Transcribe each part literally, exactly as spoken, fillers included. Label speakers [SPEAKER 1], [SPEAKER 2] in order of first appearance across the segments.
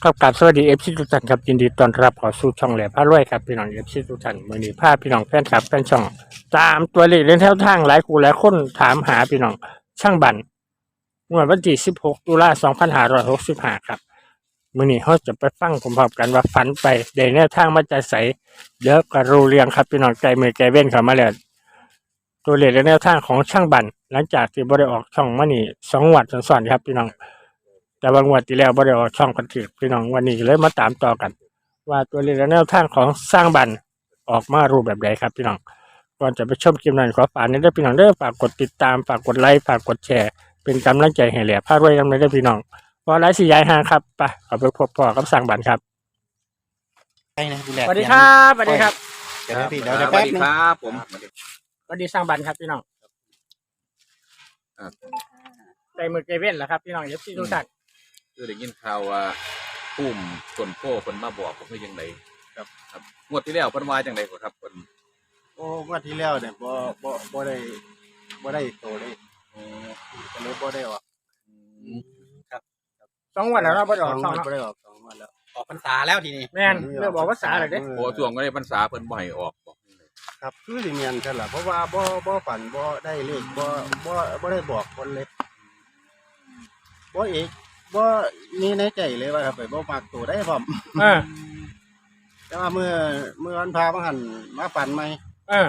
[SPEAKER 1] ครับกราบสวัสดีเอฟซีทุกท่านครับยินดีต้อนรับเข้าสู่ช่องแหลมพารวยครับพี่น้องเอฟซีทุกท่านมื้อนี้พาพี่น้องแฟนคลับแฟนช่องตามตัวเลขเล่นแถวทางหลายคู่หลายคนถามหาพี่น้องช่างบันงวดวันที่สิบหกตุลาสองพันห้าร้อยหกสิบห้าครับมื้อนี้เฮาจะไปฟังพร้อมๆกันว่าฝันไปได้แนวทางมาจากไสเดี๋ยวก็รู้เรื่องครับพี่น้องใจมือใจเว้นเข้ามาแล้วตัวเลขและแนวทางของช่างบันหลังจากที่บ่ได้ออกช่องมานี่สองงวดซ้อนๆครับพี่น้อง แต่บางวันที่แล้วบ่ได้ออกช่องกันถือพี่น้องวันนี้เลยมาตามต่อกัน ว่าตัวเลขและแนวทางของสร้างบันออกมารูปแบบใดครับพี่น้องก่อนจะไปชมคลิปนั้นขอฝากนี้ด้วยพี่น้องเด้อฝากกดติดตามฝากกดไลค์ฝากกดแชร์เป็นกำลังใจให้แหล่พารวยกันด้วยพี่น้องพอไลฟ์สี่ยายห่างครับไปขอไปพบพ่อกับสร้างบันครับ
[SPEAKER 2] ใช่นะดูแล
[SPEAKER 1] สวัสดีครับสวัสดีครับ
[SPEAKER 2] เดี๋ยวนะพี่เดี๋ยว
[SPEAKER 3] ส
[SPEAKER 2] เดี๋ยว
[SPEAKER 3] วั
[SPEAKER 2] แป๊
[SPEAKER 3] ส
[SPEAKER 2] บ
[SPEAKER 3] ดี
[SPEAKER 2] นึง
[SPEAKER 3] ครับผม
[SPEAKER 1] สวัสดีสร้างบันครับพี่น้อง
[SPEAKER 3] อ่า
[SPEAKER 1] ใจมือใจเว้นแล้วครับพี่น้องเอฟซีทุกท่าน
[SPEAKER 3] คือได้ยินข่าวว่าพุ่มส่วนโป้คนมาบอกผมว่ายังไงครับครับงวดที่แล้วเพิ่นว่าจังไดบ่ครับเพิ่น
[SPEAKER 2] โอ้งวันที่แล้วเนี่ยบ่บ่บ่ได้บ่ได้โตเลย
[SPEAKER 3] อ๋อ
[SPEAKER 2] ก็เลยบ่ได้ออก
[SPEAKER 3] อืม
[SPEAKER 1] สองวันแล้วเราบ่ได้อ
[SPEAKER 2] ส
[SPEAKER 1] อ
[SPEAKER 2] อก ง
[SPEAKER 1] ช่อง
[SPEAKER 2] วัน
[SPEAKER 1] เนาะ
[SPEAKER 2] บ่ได้ออกสองวันแล้ว
[SPEAKER 4] ออกพรรษาแล้วทีนี้
[SPEAKER 1] แม่นเรื่องบอกภาษาเลยเด้
[SPEAKER 3] โอ้ช่วงก็ได้พรรษาเพิ่นบ่ให้ออกบอกจังได
[SPEAKER 2] ครับคือสิเมียนซั่นล่ะเพราะว่าบ่บ่ฝันบ่ได้เลขบ่บ่บ่ได้บอกคนเลยบ่เอกบ่มีในใจเลยว่าครับไปบ่มักตัวได้พร้อม
[SPEAKER 1] เออ
[SPEAKER 2] แต่ว่าเมื่อเมื่อวันพามาหันมาฝันใหม่
[SPEAKER 1] เออ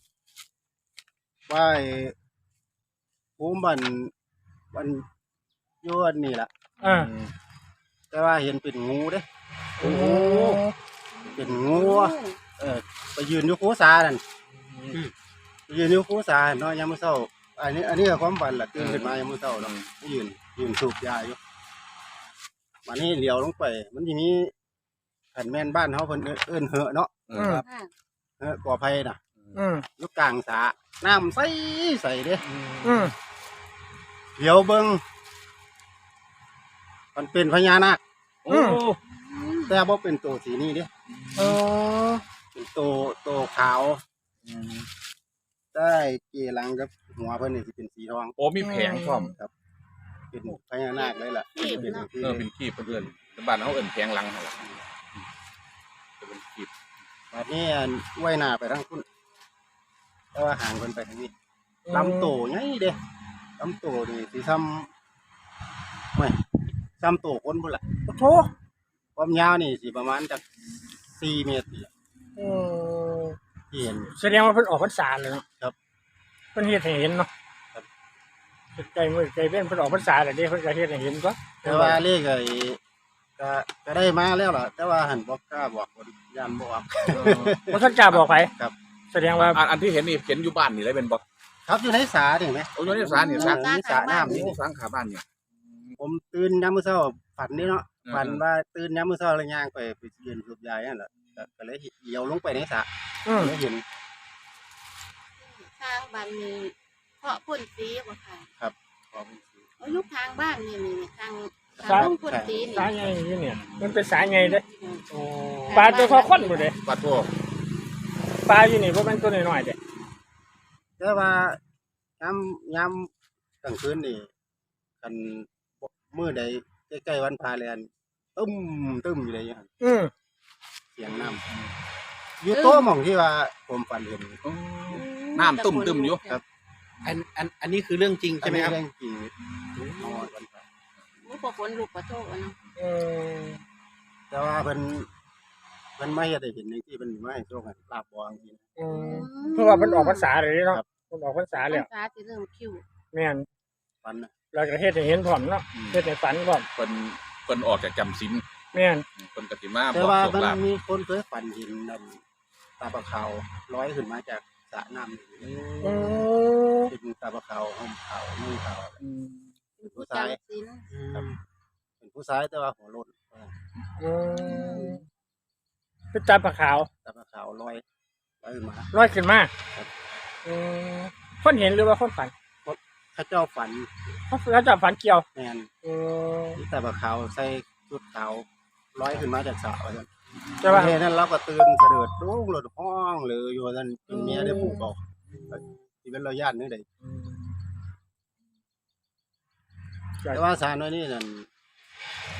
[SPEAKER 2] ว่าไอ้ภูมิบันบันอยู่อันนี้ล่ะ
[SPEAKER 1] เออ
[SPEAKER 2] แต่ว่าเห็นเป็นงูเด้
[SPEAKER 1] โอ้โห
[SPEAKER 2] เป็นงูอะเออไปยืนอยู่คูสานั่นไปยืนอยู่คูสาเนาะยามมื้อเช้าอันนี้ อันนี้ก็ความฝันล่ะตื่นขึ้นมายามมื้อเช้าเนาะไปยืนยืนสูบยาอยู่วันนี้เหลียวลงไป มันสิมีขันแม่นบ้านเฮาเพิ่นเอิ้นเหอะเนาะ
[SPEAKER 3] เออครับ
[SPEAKER 2] เหอะก่อไผน่ะ
[SPEAKER 1] อืม
[SPEAKER 2] อยู่กลางสระน้ำใสใสเด้
[SPEAKER 1] อืม
[SPEAKER 2] เหลียวเบิ่งมันเป็นพญานาค
[SPEAKER 3] โอ้
[SPEAKER 2] แต่บ่เป็นตัวสีนี้เด้
[SPEAKER 1] เออ
[SPEAKER 2] เป็นตัวตัวขาวได้เกลังกับหัวเพิ่นนี่สิเป็นสีทอง
[SPEAKER 3] โอ้มีแผงพร้อม
[SPEAKER 2] เป็นพญานาคเลยล่ะเป็นที่
[SPEAKER 3] เออเป็นขี้เพิ่นเอิ้นแต่บ้านเฮาเอิ้นแผงหลังหั่นล่ะจะเป็นขี้
[SPEAKER 2] บัดนี้อันไว้หน้าไปทางคุณแต่ว่าห่างเพิ่นไปทางนี้ลำโตใหญ่เด้ลำโตนี่สิซ้ำไม่ซ้ำโตคนพุ่นล่ะ
[SPEAKER 1] โอ้โห
[SPEAKER 2] ความยาวนี่สิประมาณจักสี่เมตรนี่ล่ะ
[SPEAKER 1] อืม
[SPEAKER 2] ที่เห็น
[SPEAKER 1] แสดงว่าเพิ่นออกพรรษาเลยเนาะ
[SPEAKER 2] ครับ
[SPEAKER 1] เพิ่นเฮ็ดให้เห็นเนาะ
[SPEAKER 2] ครับ
[SPEAKER 1] ใจมือใจเว้นเพิ่นออกพรรษาแล้วเด้เพิ่นก็เฮ็ดให้เห็นก็
[SPEAKER 2] แต่ว่าเลขไอ้ก็ก็ได้มาแล้วล่ะ แต่ว่าหันบ่กล้าบอกคนย่านบ่ออก
[SPEAKER 1] บ่ทันกล้าบอกไผ
[SPEAKER 2] ครับ
[SPEAKER 1] แสดงว่า
[SPEAKER 3] อันอันที่เห็นนี่เห็นอยู่บ้านนี่เลยเป็นบ่
[SPEAKER 2] ครับอยู่ในสานี่เห็นไหม
[SPEAKER 3] โอ้ยนี่สารนี่สาร
[SPEAKER 2] นี่สาน้ำ
[SPEAKER 3] นี่
[SPEAKER 2] นี่
[SPEAKER 3] สารขาบ้านเนี่ย
[SPEAKER 2] ผมตื่นยามมื้อเช้าฝันนี่เนาะ
[SPEAKER 3] อืม
[SPEAKER 2] ฝันว่าตื่นยามมื้อเช้าแล้วย่างไปไปยืนสูบยานั่นแหละก็ก็เลยเหี่ยวลงไปในสระ
[SPEAKER 1] อืม
[SPEAKER 2] แล้วเห็น
[SPEAKER 5] ทางบ้านมีเพาะพ่นสีบ่ค่ะ
[SPEAKER 2] ของ
[SPEAKER 5] เอายุคทางบ้านนี่นี่ทาง
[SPEAKER 1] สา
[SPEAKER 5] ทางลงพ่นสีนี่
[SPEAKER 1] สายใหญ่อยู่เนี่ย มันเป็นสายใหญ่เด้โอ้ปลาตัวคอค้นบ่เด้
[SPEAKER 3] ปัดโทษ
[SPEAKER 1] ปลาอยู่นี่บ่แม่นตัวน้อยๆเด้
[SPEAKER 2] แต่ว่ายามยามกลางคืนนี่คันมื้อใดใกล้ๆวันพาแลนตึ้มตึ้มอยู่เลยหั่น
[SPEAKER 1] อืม
[SPEAKER 2] เสียงน้ำอยู่โต๊ะหม่องที่ว่าผมฝันเห็น
[SPEAKER 3] น้ำตุ่มตึมอยู่
[SPEAKER 2] ครับ
[SPEAKER 4] อันอันอันนี้คือเรื่องจริงใช่ไหมครับ
[SPEAKER 2] อันนี้เรื่องจริงนอนวันพระ
[SPEAKER 5] บ่พอฝนลูกประโตกอะเนาะ
[SPEAKER 1] อืม
[SPEAKER 2] แต่ว่าเพิ่นเพิ่นไม่เฮ็ดให้เห็นในที่เพิ่นมาให้โชคให้ลาบบ่จังซี่
[SPEAKER 1] อืมเพราะว่าเพิ่นออกพรรษาเลยเนาะ
[SPEAKER 2] ครับ
[SPEAKER 1] เพิ่นออกพรรษาแล้ว
[SPEAKER 5] พรรษาสิเริ่มคิว
[SPEAKER 1] แม่น
[SPEAKER 2] ฝันน่ะ
[SPEAKER 1] เราจะเฮ็ดให้เห็นพร้อมเนาะเฮ็ดให้ฝันพร้อม
[SPEAKER 3] เพิ่นเพิ่นออกจากจำศีล
[SPEAKER 1] แม่น
[SPEAKER 3] เพิ่นก็สิมา
[SPEAKER 2] แต่
[SPEAKER 3] บอก
[SPEAKER 2] ว่า
[SPEAKER 3] โชค
[SPEAKER 2] มัน
[SPEAKER 3] ลาภ
[SPEAKER 2] มีคนเคยฝันเห็นนั่นตาปลาขาวลอยขึ้นมาจากสระน้ำนี่
[SPEAKER 1] โอ้
[SPEAKER 2] เป็นตาปลาขาวห่มขาวนุ่งขาว
[SPEAKER 1] อืม
[SPEAKER 2] เป็นผู้ชาย
[SPEAKER 5] จำศีล
[SPEAKER 2] ครับเป็นผู้ชายแต่ว่าหัวโล้น
[SPEAKER 1] อืมเป็นตาปลาขาว
[SPEAKER 2] ตาปลาขาวลอยลอยขึ้นมา
[SPEAKER 1] ลอยขึ้นมา
[SPEAKER 2] ครับ
[SPEAKER 1] อืมคนเห็นหรือว่าคนฝัน
[SPEAKER 2] เข้าเจ้าฝัน
[SPEAKER 1] เขาแล้วจะฝันเกี่ยว
[SPEAKER 2] แมน
[SPEAKER 1] อืม
[SPEAKER 2] ที่ตาปลาขาวใส่ชุดขาวลอยขึ้นมาจากสระว่าซั่น
[SPEAKER 1] แต่ว่า
[SPEAKER 2] เฮ็ดนั้นเราก็ตื่นเสด็จรุ่งหลดห้องเลยอยู่ว่าซั่นจนเมียได้ปลุกเอาที่เป็นเราญาตินึงได้
[SPEAKER 1] อืม
[SPEAKER 2] แต่ว่าสารน้อยนี่นั่น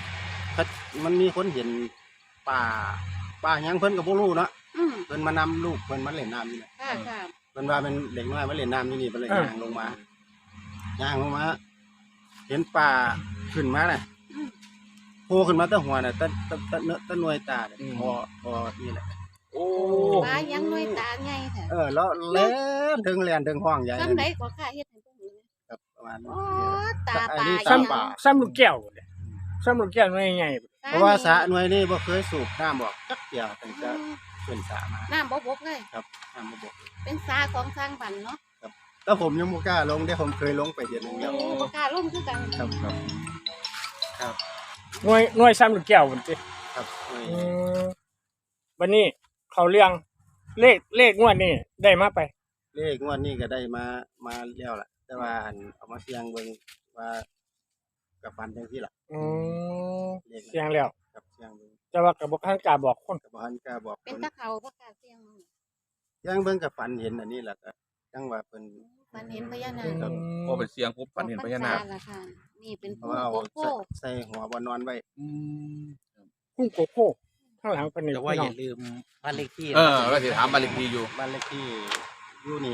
[SPEAKER 2] เขามันมีคนเห็นป่าป่าหยังเพิ่นก็บ่รู้เนาะ
[SPEAKER 5] อืม
[SPEAKER 2] เพิ่นมานำลูกเพิ่นมาเล่นน้ำนี่แหละ
[SPEAKER 5] ค่ะค่ะ
[SPEAKER 2] เพิ่นว่าเป็นเด็กน้อยมาเล่นน้ำนี่นี่เพิ่นเลยย่างลงมาย่างลงมา เห็นป่าขึ้นมาน่ะ
[SPEAKER 5] อืม
[SPEAKER 2] โผล่ขึ้นมาแต่หัวน่ะแต่แต่แต่เนื้อแต่หน่วยตาเนี่ยพอพอนี่แหละ
[SPEAKER 3] โอ้
[SPEAKER 5] ปลายังน้อยตาใหญ่แท้
[SPEAKER 2] เออแล้วเล่นถึงแล่นถึงห้องใหญ่
[SPEAKER 5] ซ้ำใดก็ค่ะเฮ็ดให้เพิ่นเห็น
[SPEAKER 2] ครับประมาณนี้
[SPEAKER 5] อ๋อตาปลา
[SPEAKER 2] อันนี้
[SPEAKER 1] ซ้
[SPEAKER 2] ซ้ำป่า
[SPEAKER 1] ำซ้ำลูกแก้วเลยซ้ำลูกแก้วน้อยใหญ่
[SPEAKER 2] เพราะว่าสระหน่วยนี้บ่เคยสูบน้ำออกจักเดียวตั้งแต่ขึ้นสระมา
[SPEAKER 5] น้ำบ่บกเลย
[SPEAKER 2] ครับน้ำบ่บก
[SPEAKER 5] เป็นสาของสร้างบันเนาะ
[SPEAKER 2] แล้วผมยังบ่กล้าลงเด้ผมเคยลงไปเดือนหนึงแล้ว
[SPEAKER 5] โอ้บ่กล้าล่มคือกัน
[SPEAKER 2] ครับครับครับ
[SPEAKER 1] หน่วยหน่วยซ้ำลูกแก้วมันสิ
[SPEAKER 2] ครับหน่วย
[SPEAKER 1] อืมวันนี้เขาเรื่องเลขเลขงวดนี่ได้มาไป
[SPEAKER 2] เลขงวดนี้ก็ได้มามาแล้วล่ะ แต่ว่าอันเอามาเสี่ยงเบิ่งว่ากับฟันจังซี่ล่ะ
[SPEAKER 1] อืม
[SPEAKER 2] เลข
[SPEAKER 1] เสียงแล้ว
[SPEAKER 2] ครับเสี่ยงเบิ่ง
[SPEAKER 1] แต่ว่ากับบท่านกล้าบอกคน
[SPEAKER 2] ก็บ่ทันกล้าบอก
[SPEAKER 5] เป็น
[SPEAKER 2] คน
[SPEAKER 5] ตะเขาบ่กล้าเสี่ยง
[SPEAKER 2] เสี่ยงเบิ่งกับฟันเห็นอันนี้ล่ะก็จังว่าเพิ่น
[SPEAKER 5] ฝันเห็นพญานา
[SPEAKER 2] ครั
[SPEAKER 5] ค
[SPEAKER 2] บ
[SPEAKER 3] พอเป็นเสียงปุ๊บฝันเห็นพญานาค
[SPEAKER 5] ออกพรรษล่ะค่ะนี่เป็น
[SPEAKER 2] เพ
[SPEAKER 5] ผู้
[SPEAKER 2] ราะว่าเอา
[SPEAKER 5] โกโก้
[SPEAKER 2] ใส่ใส่หัวบ่นอนไว้
[SPEAKER 3] อืม
[SPEAKER 1] พุ่งโกโก้ข้างหลังเป็นนี่
[SPEAKER 4] แต่ว่า
[SPEAKER 1] พี่
[SPEAKER 4] อ
[SPEAKER 1] น้อง
[SPEAKER 4] ย่าลืมบ้านเลขที่
[SPEAKER 3] เออว่าสิถามบ้านเลขที่อยู่
[SPEAKER 2] บ้านเลขที่อยู่นี่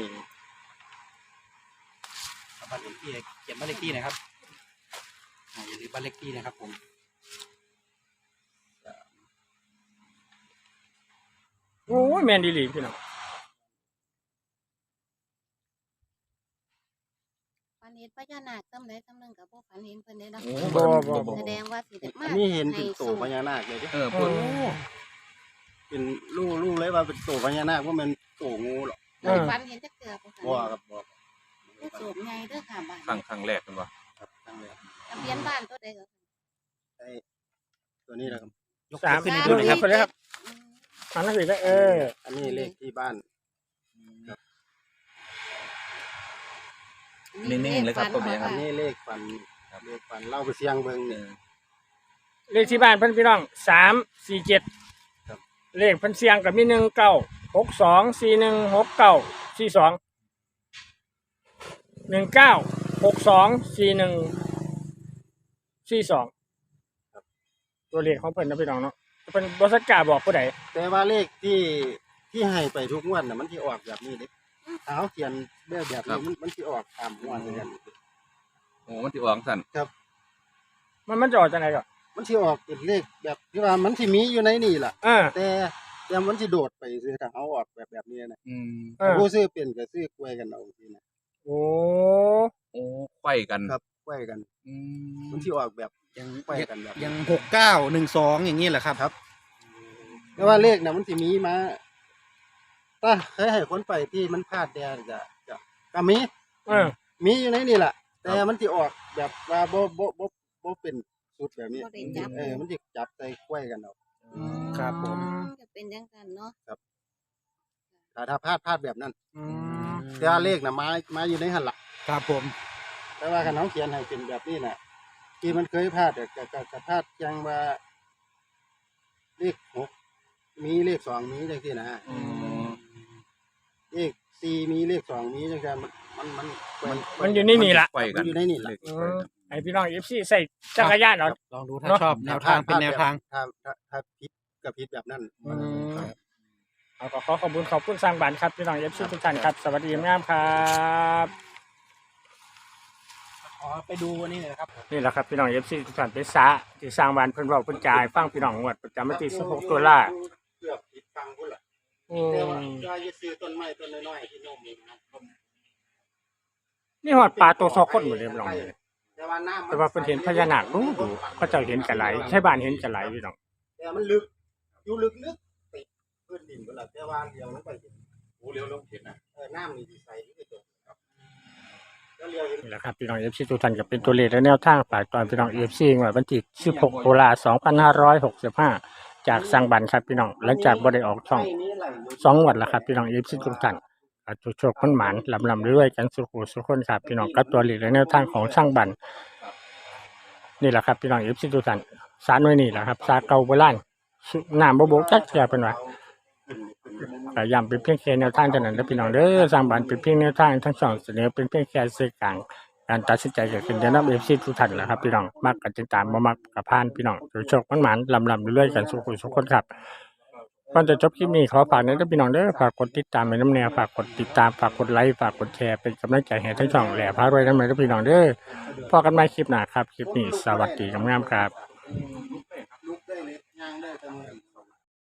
[SPEAKER 4] บ้านเลขที่เขียนบ้านเลขที่หนะครับอ่าอย่าลืมบ้านเลขที่นะครับผม
[SPEAKER 1] โอ้ยแมนดีหลีพี่น้อง
[SPEAKER 5] ฝันเห็นพญานาคซ้ำใดซ้ำหนึงก็บ่ฝันเห็นเพิ่นได้เนาะ
[SPEAKER 3] โอ้
[SPEAKER 1] บ่
[SPEAKER 3] บ่
[SPEAKER 1] บ่
[SPEAKER 3] บ่
[SPEAKER 5] แสดงว่าสิได้มา
[SPEAKER 2] อันนี้เห็นเป็น
[SPEAKER 5] ให้
[SPEAKER 2] ตัวพญานาคเลยเด้
[SPEAKER 3] เออ
[SPEAKER 1] โอ้
[SPEAKER 3] พูด
[SPEAKER 2] เป็นรู้รู้เลยว่าเป็นตัวพญานาคว่ามันตัวงูหรอก
[SPEAKER 1] เออ
[SPEAKER 5] ฝันเห็นจักเทื่อบ่
[SPEAKER 2] บ่
[SPEAKER 5] ค่ะ
[SPEAKER 2] ครับบ่
[SPEAKER 5] ได้สูบใหญ่เด้อค่ะบ้าน
[SPEAKER 3] ครั้งครั้งแรกเป็นว่า
[SPEAKER 2] ครับตั้งแต่
[SPEAKER 5] ทะเบียนบ้านตัวใดก็
[SPEAKER 2] ไอ้ตัวนี้แหละครับ
[SPEAKER 4] ยก
[SPEAKER 1] สาม
[SPEAKER 4] ขึ้นให้
[SPEAKER 1] ย
[SPEAKER 4] ดู
[SPEAKER 1] ก
[SPEAKER 4] หน่อย
[SPEAKER 1] ค
[SPEAKER 4] ค
[SPEAKER 1] รั
[SPEAKER 4] รั
[SPEAKER 1] บบ ไปเลยครับ
[SPEAKER 5] อืม
[SPEAKER 1] หันหน้าสิได้เออ
[SPEAKER 2] อันนี้เลขที่บ้าน
[SPEAKER 3] นิ่งๆเลยครับ
[SPEAKER 5] ฝั
[SPEAKER 3] ผมเนี่ยค
[SPEAKER 2] อั
[SPEAKER 3] รับ
[SPEAKER 2] นนี้เลขฝันเลขฝันเล่าไปเสียงเบิ่ง
[SPEAKER 3] เอ
[SPEAKER 2] เนี่ย
[SPEAKER 3] อ
[SPEAKER 1] เลขที่บ้านเพิ่นพี่น้องสามสี่เจ็ด
[SPEAKER 2] ครับ
[SPEAKER 1] เลขเพิ่นเสียงกับมีหนึ่งเก้าหกสองสี่หนึ่งหกเก้าสี่สองหนึ่งเก้าหกสองสี่หนึ่งสี่สองตัวเลขของเพิ่นนะพี่น้องเนาะเพิ่นบริษัทกล้าบอกผู้ใด
[SPEAKER 2] แต่ว่าเลขที่ที่ให้ไปทุกงวดน่ะมันที่ออกแบบนี้เด้ถ้าเขาเขียนแบบแบบนี้มันมันที่ออกตามงวดเหมือนกัน
[SPEAKER 3] โอ้มันสิออกสั่น
[SPEAKER 1] มันมันจะออกจากไหนก่อน
[SPEAKER 2] มันที่ออกเป็นเลขแบบที่ว่ามันที่มีอยู่ในนี่ล่ะ
[SPEAKER 1] อ่า
[SPEAKER 2] แต่แต่มันที่โดดไปซื้อถ้าเขาออกแบบแบบนี้นะ
[SPEAKER 3] อืม
[SPEAKER 1] เออ
[SPEAKER 2] ผู้ซื้อเป็นก็ซื้อกล้วยกันเอาทีนะ
[SPEAKER 1] โอ้
[SPEAKER 3] โอ้ไขว้กัน
[SPEAKER 2] ครับกล้วยกัน
[SPEAKER 3] อืม
[SPEAKER 2] มันที่ออกแบบ
[SPEAKER 4] ยัง
[SPEAKER 2] กล้วยกันแบบ
[SPEAKER 4] ยังหกเก้าหนึ่งสองอย่างนี้แหละครับ
[SPEAKER 2] ครับแต่ว่าเลขน่ะมันที่มีมาถ้าเคยให้คนไปที่มันพลาดแดนจะจะก็มี
[SPEAKER 1] เออ
[SPEAKER 2] มีอยู่ในนี่แหละแต่มันที่ออกแบบว่าบ่บ่บ่บ่เป็นสูตรแบบนี้
[SPEAKER 5] บ่ได้จับ
[SPEAKER 2] เออมันสิจับใส่กล้วยกันเอา
[SPEAKER 4] ครับผม
[SPEAKER 5] จะเป็นจังซั่นเนาะ
[SPEAKER 2] แต่ถ้าพลาดพลาดแบบนั้น
[SPEAKER 1] อืม
[SPEAKER 2] แต่ว่าเลขน่ะมามาอยู่ในหั่นล่ะ
[SPEAKER 4] ครับผม
[SPEAKER 2] แต่ว่าคันน้องเขียนให้เป็นแบบนี้น่ะ ที่มันเคยพลาดแต่ก็ก็ก็พลาดจังว่าเลขหกมีเลขสองมีจังซี่นะ
[SPEAKER 3] อืม
[SPEAKER 2] เลขสี่มีเลขสองมีจังซี่มันมันมันมัน
[SPEAKER 1] มันอยู่ในนี่ล่ะ
[SPEAKER 3] ไขว้กัน
[SPEAKER 2] มันอยู่ในนี่ล่ะ
[SPEAKER 3] เลข
[SPEAKER 1] อื
[SPEAKER 3] ไขว้
[SPEAKER 1] ม
[SPEAKER 3] กัน
[SPEAKER 1] ไอพี่น้องเอฟซีใส่จักรยานเนาะ
[SPEAKER 4] ลองดูถ้า
[SPEAKER 1] เนอะ
[SPEAKER 4] ชอบแนวทางเป็นแนวทาง
[SPEAKER 2] ถ้าถ้าถ้าผิดก็ผิดแบบนั้น
[SPEAKER 1] อืมเอาก็ขอขอบคุณขอบคุณสร้างบ้านครับพี่น้องเอฟซีทุกท่านครับสวัสดีงามครับ
[SPEAKER 4] ขอไปดูวันนี้หน่อยนะครับ
[SPEAKER 1] นี่แหละครับพี่น้องเอฟซีทุกท่านเป็นสาที่สร้างบ้านเพิ่นเว้าเพิ่นจ่ายฟังพี่น้องงวดประจำวันที่สิบหกตุลา
[SPEAKER 2] เกือบผิดฟังพุ่นล่ะ
[SPEAKER 1] อื
[SPEAKER 2] แต่ว่าม จะซื้อต้นไม้ต้นน้อยๆที่โนมเองนะ
[SPEAKER 1] นี่ฮอดปลาตัวซอคนหมดเลยพี่น้อง
[SPEAKER 2] แต่ว่าน้ำ
[SPEAKER 1] แต่ว่าเพิ่นเห็นพญานาคดูดูเขาเจ้าเห็นกันหลายใช่บ้านเห็นกันหลายพี่น้อง
[SPEAKER 2] แต่มันลึกอยู่ลึกลึกติดพื้นดินพุ่นล่ะแต่ว่าเลี้ยวลงไปเห็น
[SPEAKER 3] โอ้เลี้ยวลงเห็นนะ
[SPEAKER 2] เออน้ำนี่สิใสที่จบครับแล้วเลี้ยวเห็น
[SPEAKER 1] นี่แหละครับพี่น้องเอฟซีทุกท่านก็เป็นตัวเลขและแนวทางฝากตอนพี่น้องเอฟซีงวดวันที่สิบหกตุลาสองพันห้าร้อยหกสิบห้าจากสร้างบ้านครับพี่น้องหลังจากบ่ได้ออกช่อง สองงวดแล้วครับพี่น้องเอฟซีทุกท่านอาจจะโชคคนหมานลำลำเรื่อยๆกันสุขุสุขคนครับพี่น้องกับตัวหลีกและแนวทางของช่างบันนี่แหละครับพี่น้องเอฟซีทุกท่านสารน้อยนี่แหละครับสาเก่าโบราณสุน้ำบ่บกจักเสียเป็นว่าแต่ย้ำเป็นเพียงแค่แนวทางเท่านั้นและพี่น้องเด้อสร้างบันเป็นเพียงแนวทางทั้งสองเสนอเป็นเพียงแค่สื่อกลางการตัดสินใจเกิดขึ้นจะนำเอฟซีทุกท่านนะครับพี่น้องมักกันติดตามบ่มักกับพานพี่น้องโดยโชคมันหมานลำลำเรื่อยๆกันสุขุสุขคนครับก่อนจะจบคลิปนี้ขอฝากเน้นพี่น้องเด้อฝากกดติดตามในน้ำแนวฝากกดติดตามฝากกดไลค์ฝากกดแชร์เป็นกำลังใจให้ทั้งช่องแหล่พารวยน้ำเลยพี่น้องเด้อพอกันใหม่คลิปหน้าครับคลิปนี้สวัสดีงามๆครับ